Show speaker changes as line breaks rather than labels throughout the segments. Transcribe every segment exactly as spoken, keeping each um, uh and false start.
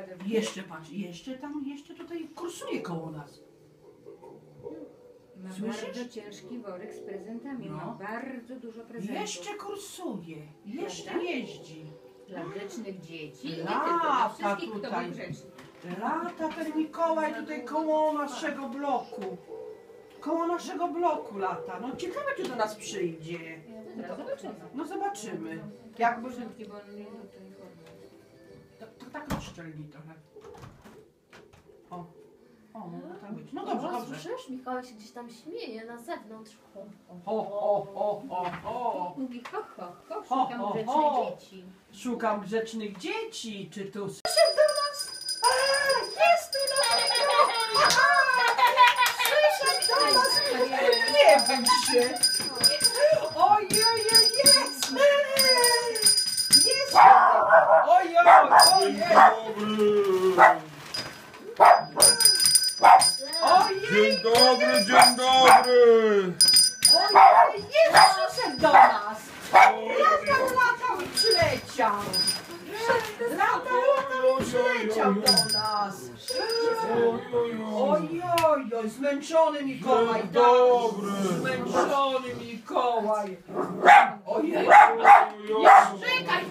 Jeszcze patrz, jeszcze tam, jeszcze tutaj kursuje koło nas.
Ma
Słyszysz?
bardzo ciężki worek z prezentami.
No.
Ma bardzo dużo prezentów.
Jeszcze kursuje, jeszcze
Prawda?
jeździ.
Dla grzecznych dzieci. Nie
Lata
tylko dla wszystkich, kto
tutaj.
był grzeczny.
Lata ten Mikołaj tutaj koło naszego bloku. Koło naszego bloku lata. No ciekawe, czy do nas przyjdzie.
Teraz zobaczymy.
No zobaczymy. Jakby...
Początki, bo on nie do tej formy.
To, to tak rozszczelni trochę. O, o, mogło tak być. No dobrze,
O,
dobrze.
słyszysz? Mikołaj się gdzieś tam śmieje na zewnątrz.
O, o, o, o, o.
Mówi ho, ho, ho,
Ho,
szukam
ho,
grzecznych
ho.
dzieci.
Szukam grzecznych dzieci. Czy tu... Przyszedł do nas! A, jest tu nas! Przyszedł do nas! Nie bój się! Ojej, jest! Jest! Ojej, ojej! Ojej!
Dzień dobry, dzień dobry!
Ojej, jest przyszedł do nas! Latał, latał i przyleciał! Latał, latał i przyleciał do nas! Ojoj, oj, zmęczony Mikołaj!
Dzień dobry!
Zmęczony Mikołaj! Ojej!
Ojoj.
Czekaj!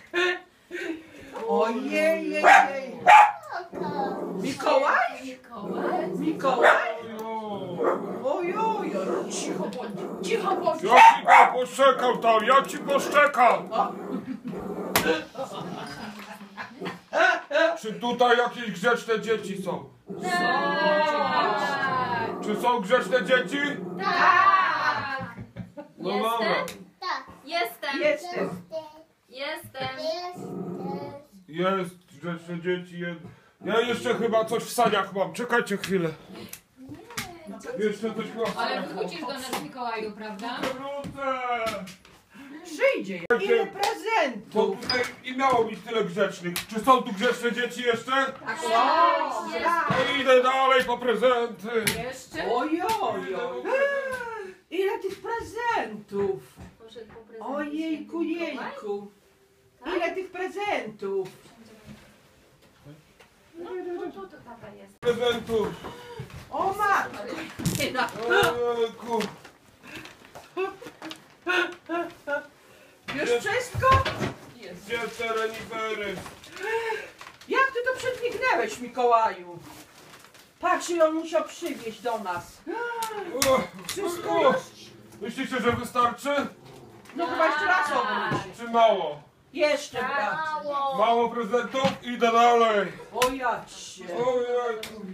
Ojej, jej, jej! Mikołaj?
Mikołaj?
Mikołaj? Ojoj, oj, cicho bądź, cicho bądź!
Ja ci go poszczekam tam, ja ci poszczekam! Czy tutaj jakieś grzeczne dzieci są? Czy są grzeczne dzieci?
Tak!
No dobra.
Jestem!
Jestem!
Jestem!
Jest grzeczne dzieci. Jest. Ja jeszcze chyba coś w saniach mam. Czekajcie chwilę. Jeszcze coś chyba w
Ale
saniach mam.
wrócisz do nas, Mikołaju, prawda?
Wrócę!
Przyjdzie! Ile
Bo
prezentów!
tutaj nie miało być tyle grzecznych. Czy są tu grzeczne dzieci jeszcze?
Tak,
No idę dalej po prezenty.
Jeszcze?
Ojoj, oj. Ile tych prezentów!
Poszedł po prezenty
Ojejku,
święty Mikołaj?
jejku! Ile tych prezentów!
No, no to, to tata jest.
Prezentów.
O matko!
Ojejku.
Już wszystko?
Gdzie te renifery?
Jak ty to przedmignęłeś, Mikołaju? Patrz, ile on musiał przywieźć do nas.
O,
Wszystko
o.
już?
Myślicie, że wystarczy?
No chyba jeszcze raz obróć.
Czy mało?
Jeszcze brat.
Mało!
Mało prezentów? Idę dalej.
O jacie.
Ojejku.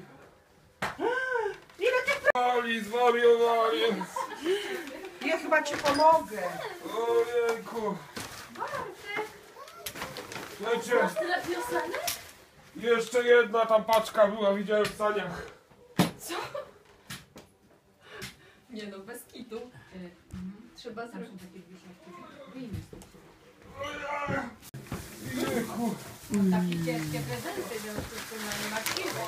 Ile tych
Zwali, zwariowali.
Ja chyba ci pomogę.
Ojejku. Wiecie,
Masz tyle piosenek?
jeszcze jedna tam paczka była, widziałem w saniach.
Nie no, bez kitu. Trzeba zrobić.
Ojejku.
Takie ciężkie prezenty, w związku z tym no nie ma siły.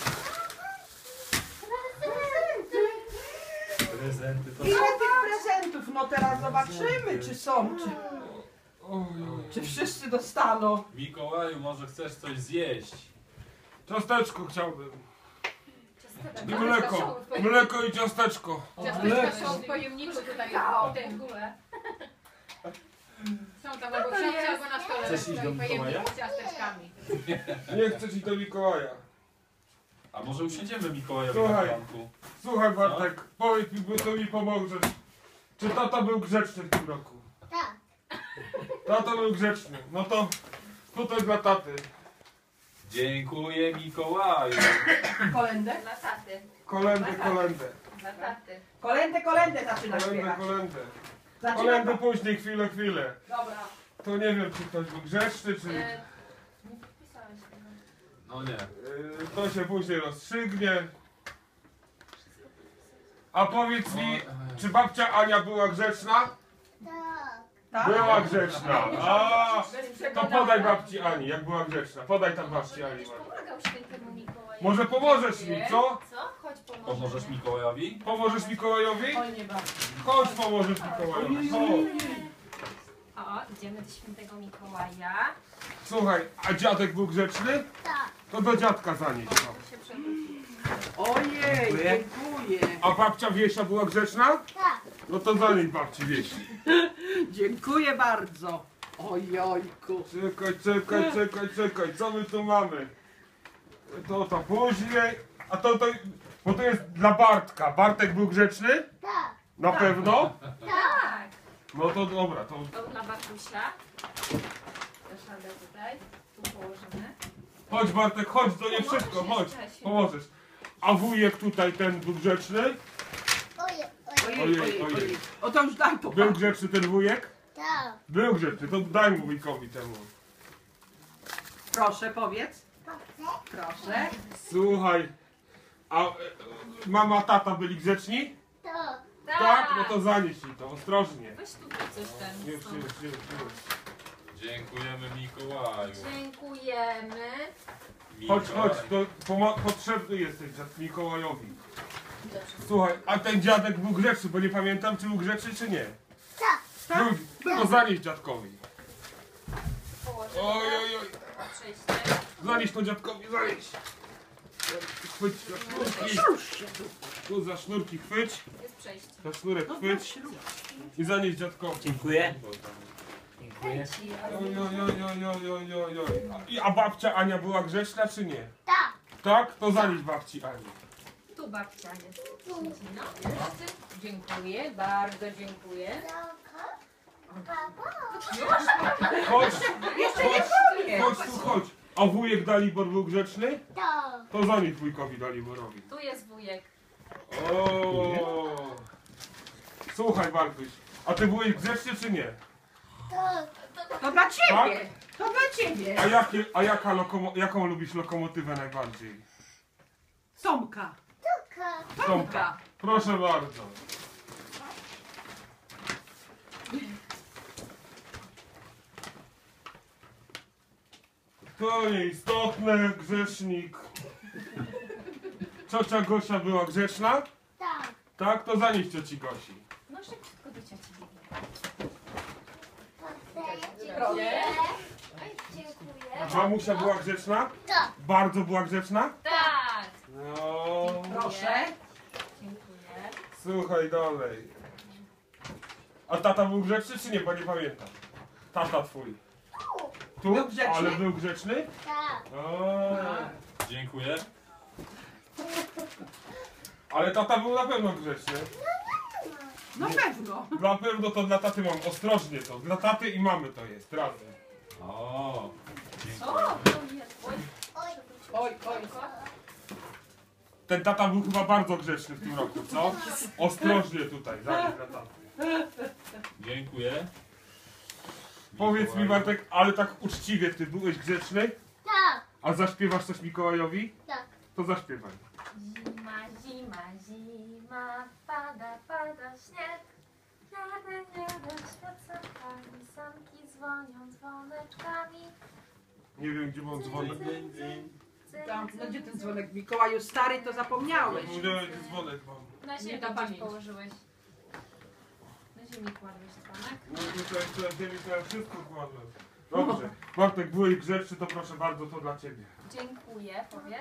Prezenty to
Ile tych prezentów? No teraz zobaczymy, czy są, czy,
Ojej.
czy wszyscy dostaną.
Mikołaju, może chcesz coś zjeść?
Ciasteczko chciałbym. I
Tak.
mleko. Mleko i ciasteczko.
Ciasteczka są w pojemniku tutaj, w tej górę. Są tam albo w siatce, albo na stole.
Chcesz iść do
w pojemniku
Mikołaja?
z ciasteczkami.
Nie chcę ci do Mikołaja.
A może usiądziemy Mikołajowi
Słuchaj.
na planku?
Słuchaj Bartek, powiedz mi, bo to mi pomożesz. Czy tata był grzeczny w tym roku?
Tak.
Tata był grzeczny. No to tutaj dla taty.
Dziękuję Mikołaju.
Kolendę?
Dla taty.
Kolendę, kolendę.
Dla taty.
Kolendę, kolendę zaczyna
Kolendę,
śpiewać.
kolendę.
Zaczyna...
Kolendę później, chwilę, chwilę.
Dobra.
To nie wiem, czy ktoś był grzeczny, czy...
E, nie podpisałeś tego.
No nie.
Yy, to się później rozstrzygnie. A powiedz mi, czy babcia Ania była grzeczna?
Tak?
Była grzeczna. A,
Bez
to
przekonania.
podaj babci Ani, jak była grzeczna. Podaj tam babci Ani.
Będziesz pomagał świętemu Mikołajowi.
Może pomożesz mi, co?
Co? Chodź pomożemy.
Pomożesz Mikołajowi?
Pomożesz Mikołajowi?
Oj, nie bardzo.
Chodź, pomożesz Mikołajowi. Chodź.
O, idziemy do świętego Mikołaja.
Słuchaj, a dziadek był grzeczny?
Tak.
To do dziadka zanieść. No.
się przewrócił.
Ojej, dziękuję.
A babcia Wiesia była grzeczna?
Tak.
No to zanieść babci Wiesi.
Dziękuję bardzo. Ojojku.
Czekaj, czekaj, czekaj, czekaj, co my tu mamy? To to później, a to to, bo to jest dla Bartka. Bartek był grzeczny?
Tak.
Na pewno?
Tak.
No to dobra, to
To dla Bartusia. Zaszadę tutaj. Tu położymy.
chodź Bartek, chodź, to nie wszystko, chodź, pomożesz. A wujek tutaj ten był grzeczny?
Ojej, ojej.
Ojej,
Ojej,
ojej,
ojej.
ojej. O to już daj to.
Był grzeczny ten wujek?
Tak.
Był grzeczny, to daj mu wujkowi temu.
Proszę, powiedz. Proszę.
Słuchaj, a e, mama, tata byli grzeczni?
Tak.
Tak? No to zanieś mi to, ostrożnie.
Weź tutaj coś ten.
Już, już, już, już.
Dziękujemy Mikołaju.
Dziękujemy.
Chodź,
Mikołaj.
chodź, to pomo- potrzebny jesteś dziad Mikołajowi. Słuchaj, a ten dziadek był grzeczny, bo nie pamiętam, czy był grzeczny, czy nie.
Tak.
Był, to zanieś dziadkowi.
Położymy
Oj, oj, oj.
na przejście.
Zanieś to dziadkowi, zanieś. Chwyć za sznurki. Tu za sznurki chwyć.
Jest przejście.
Za sznurek chwyć. I zanieś dziadkowi.
Dziękuję. Dziękuję.
Oj, oj, oj, oj, oj, oj, oj, oj. A- I, a babcia Ania była grzeczna, czy nie?
Tak.
Tak? To zanieś babci Ani.
Tu babcia jest. Siedzi, no. Wszyscy? Dziękuję, bardzo dziękuję.
Chodź,
Jeszcze nie koniec.
chodź tu, chodź. A wujek Dalibor był grzeczny?
Tak.
To zanieś wujkowi Daliborowi.
Tu jest wujek.
O. Słuchaj Bartuś, a ty byłeś grzeczny czy nie?
Tak.
To dla ciebie. To dla ciebie.
A, jakie, a jaka lokomo, jaką lubisz lokomotywę najbardziej?
Tomka.
Tak.
Tomka.
Proszę bardzo. To nieistotne, grzesznik. Ciocia Gosia była grzeczna?
Tak.
Tak? To zanieś cioci Gosi.
No szybko do cioci biegnie.
Dziękuję. Dziękuję.
Mamusia była grzeczna?
Tak.
Bardzo była grzeczna?
Tak.
No.
Proszę.
Dziękuję.
Słuchaj dalej. A tata był grzeczny czy nie? Bo nie pamiętam. Tata twój. Tu?
Był grzeczny?
Ale był grzeczny?
Tak.
O,
Dziękuję.
ale tata był na pewno grzeczny.
No pewno.
Na pewno to dla taty mam. Ostrożnie to. Dla taty i mamy to jest. Razem.
O.
O, to jest. Oj,
Oj.
Oj, oj.
Ten tata był chyba bardzo grzeczny w tym roku, co? Ostrożnie tutaj. Zanieś dla taty.
Dziękuję.
Powiedz mi Bartek, ale tak uczciwie, ty byłeś grzeczny?
Tak.
A zaśpiewasz coś Mikołajowi?
Tak.
To zaśpiewaj.
zima, zima, zima, pada, pada śnieg. Jadę, jadę, świecę pani, sanki dzwonią dzwoneczkami.
Nie wiem, gdzie mam dzwonek.
Tam, no gdzie ten dzwonek? Mikołaju stary, to zapomniałeś.
Nie wiem, gdzie dzwonek mam.
Na ziemi
Nie ta
gdzieś
pamięć.
położyłeś. Na ziemi kładłeś dzwonek.
No tutaj to ziemi to ja wszystko kładłem. Dobrze. Bartek, byłeś grzeczny, to proszę bardzo, to dla ciebie.
Dziękuję, powiedz.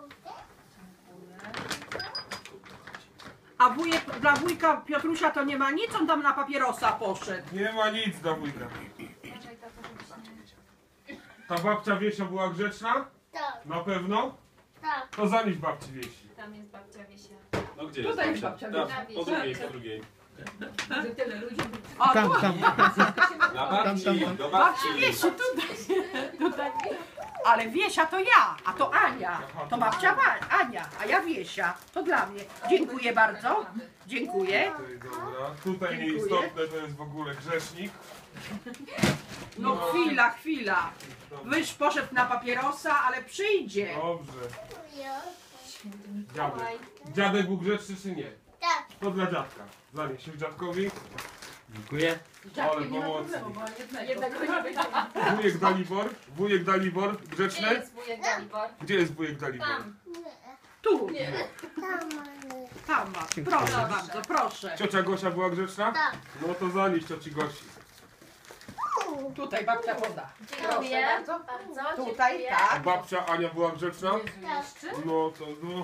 Dziękuję.
A wujek, dla wujka Piotrusia to nie ma nic, on tam na papierosa poszedł.
Nie ma nic dla wujka.
Uważaj, tato, żebyś nie...
Ta babcia Wiesia była grzeczna?
Tak.
Na pewno?
Tak.
To zanieś babci Wiesi.
Tam jest babcia Wiesia.
No gdzie
Tutaj
jest
jest babcia
babcia?
Wiesia.
Po drugiej, po drugiej.
Gdy tyle ludzi.
O,
Tam,
tu,
tam.
Na babci, do
babci
babci.
Wiesi, tutaj. tutaj. Ale Wiesia to ja, a to Ania. To babcia Wa- Ania, a ja Wiesia. To dla mnie. Dziękuję bardzo. Dziękuję.
Tutaj, dobra. Tutaj
Dziękuję.
nieistotne to jest w ogóle grzesznik.
No chwila, chwila. Wyż poszedł na papierosa, ale przyjdzie.
Dobrze.
Święty
Dziadek.
Mikołaj.
Dziadek był grzeczny czy nie?
Tak.
To dla dziadka. Zanieś się dziadkowi.
Dziękuję.
Ale pomocny.
Jednego nie będzie.
Wujek Dalibor. Wujek Dalibor.
Gdzie
Grzeczny?
jest wujek Dalibor?
Gdzie jest wujek Dalibor?
Tam.
Tu,
Tam.
tam ma. Proszę bardzo, proszę.
Ciocia Gosia była grzeczna?
Tak.
No to zanieś cioci Gosi.
Tutaj babcia poda.
Dziękuję.
Proszę
Bardzo.
bardzo. Tutaj,
dziękuję.
A
tak.
babcia Ania była grzeczna?
Jezu, jeszcze?
No to no.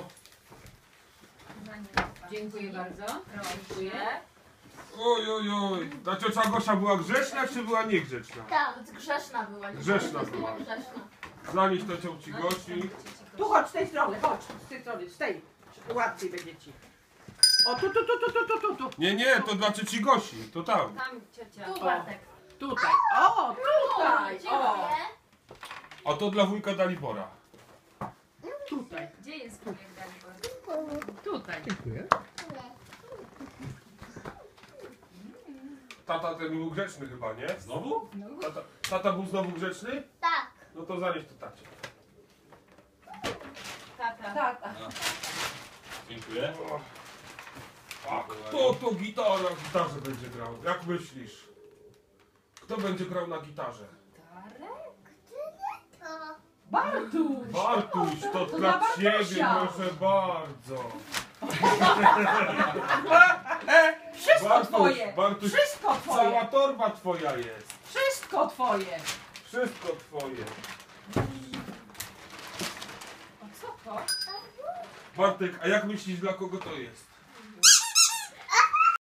Dziękuję bardzo. Dziękuję.
Oj, oj, oj. Ta ciocia Gosia była grzeczna, czy była niegrzeczna?
Tak, grzeszna była. nie
Grzeszna
powiem, że
była.
Grzeszna.
Zanieś to cioci Gosi.
Tu chodź z tej strony, chodź. Z tej strony, z tej. Łatwiej będzie ci. O, tu, tu, tu, tu, tu, tu, tu, tu.
Nie, nie, to dla cioci Gosi. To tam.
Tam ciocia.
Tu Bartek.
Tutaj. O, tutaj. O,
Dziękuję.
A to dla wujka Dalibora.
tutaj.
Gdzie jest wujek Dalibor?
Tutaj.
Tata ten był grzeczny chyba, nie?
Znowu?
Tata, tata był znowu grzeczny?
Tak.
No to zanieś to tacie.
Tata.
Tak.
Dziękuję.
A kto to gitara na gitarze będzie grał? Jak myślisz? Kto będzie grał na gitarze?
To.
Bartuś.
Bartuś, to,
to
dla
dla
ciebie
Bartusia.
proszę bardzo.
Wszystko
Bartuś,
twoje.
Bartuś,
Wszystko
cała
twoje.
torba twoja jest.
Wszystko twoje.
Wszystko twoje.
O co to?
Bartek, a jak myślisz dla kogo to jest?